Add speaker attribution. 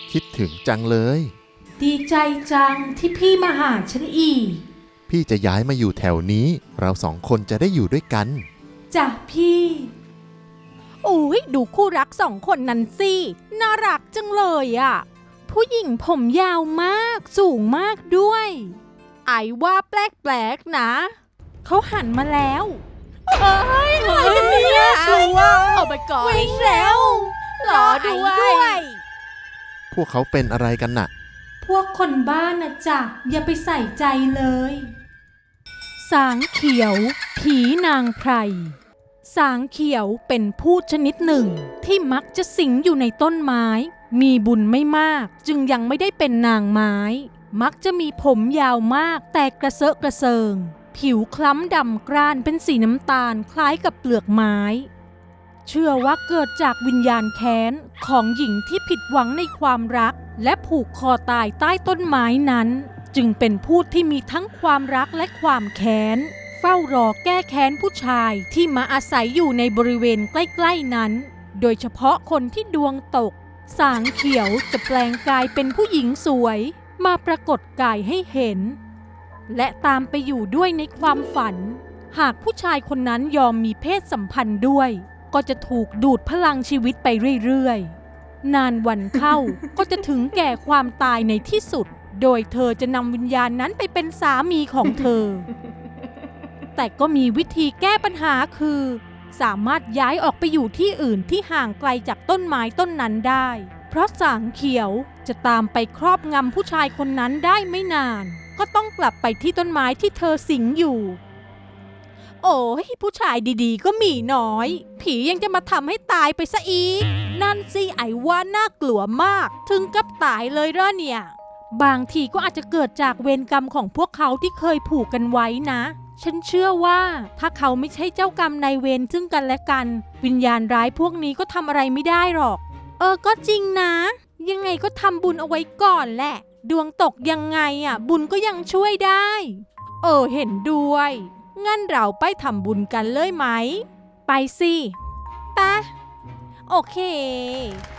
Speaker 1: คิดถึงจังเลย
Speaker 2: ดีใจจังที่พี่มาหาฉันอีก
Speaker 1: พี่จะย้ายมาอยู่แถวนี้เราสองคนจะได้อยู่ด้วยกัน
Speaker 2: จ้ะพี่
Speaker 3: อุ๊ยดูคู่รักสองคนนั้นสิน่ารักจังเลยอ่ะผู้หญิงผมยาวมากสูงมากด้วยไอ้ว่าแปลกๆนะเขาหันมาแล้วเอ้ยอะไรกันเนี่ยชัวเอาไปก่อนวิ่งแล้วรอด้วย
Speaker 1: พวกเขาเป็นอะไรกันน่ะ
Speaker 2: พวกคนบ้านนะจ๊ะอย่าไปใส่ใจเลย
Speaker 3: สางเขียวผีนางไพรสางเขียวเป็นพืชชนิดหนึ่งที่มักจะสิงอยู่ในต้นไม้มีบุญไม่มากจึงยังไม่ได้เป็นนางไม้มักจะมีผมยาวมากแต่กระเซาะกระเซิงผิวคล้ำดำกร้านเป็นสีน้ำตาลคล้ายกับเปลือกไม้เชื่อว่าเกิดจากวิญญาณแค้นของหญิงที่ผิดหวังในความรักและผูกคอตายใต้ต้นไม้นั้นจึงเป็นพูดที่มีทั้งความรักและความแค้นเฝ้ารอแก้แค้นผู้ชายที่มาอาศัยอยู่ในบริเวณใกล้ๆนั้นโดยเฉพาะคนที่ดวงตกสางเขียวจะแปลงกายเป็นผู้หญิงสวยมาปรากฏกายให้เห็นและตามไปอยู่ด้วยในความฝันหากผู้ชายคนนั้นยอมมีเพศสัมพันธ์ด้วยก็จะถูกดูดพลังชีวิตไปเรื่อยๆนานวันเข้า ก็จะถึงแก่ความตายในที่สุดโดยเธอจะนำวิญญาณนั้นไปเป็นสามีของเธอ แต่ก็มีวิธีแก้ปัญหาคือสามารถย้ายออกไปอยู่ที่อื่นที่ห่างไกลจากต้นไม้ต้นนั้นได้เพราะสางเขียวจะตามไปครอบงำผู้ชายคนนั้นได้ไม่นานก็ต้องกลับไปที่ต้นไม้ที่เธอสิงอยู่โอ้ยผู้ชายดีๆก็มีน้อยผียังจะมาทำให้ตายไปซะอีกนั่นสิไอ้ว่าน่ากลัวมากถึงกับตายเลยเหรอเนี่ยบางทีก็อาจจะเกิดจากเวรกรรมของพวกเขาที่เคยผูกกันไว้นะฉันเชื่อว่าถ้าเขาไม่ใช่เจ้ากรรมนายเวรซึ่งกันและกันวิญญาณร้ายพวกนี้ก็ทำอะไรไม่ได้หรอกก็จริงนะยังไงก็ทำบุญเอาไว้ก่อนแหละดวงตกยังไงบุญก็ยังช่วยได้เห็นด้วยงั้นเราไปทำบุญกันเลยไหมไปสิไปโอเค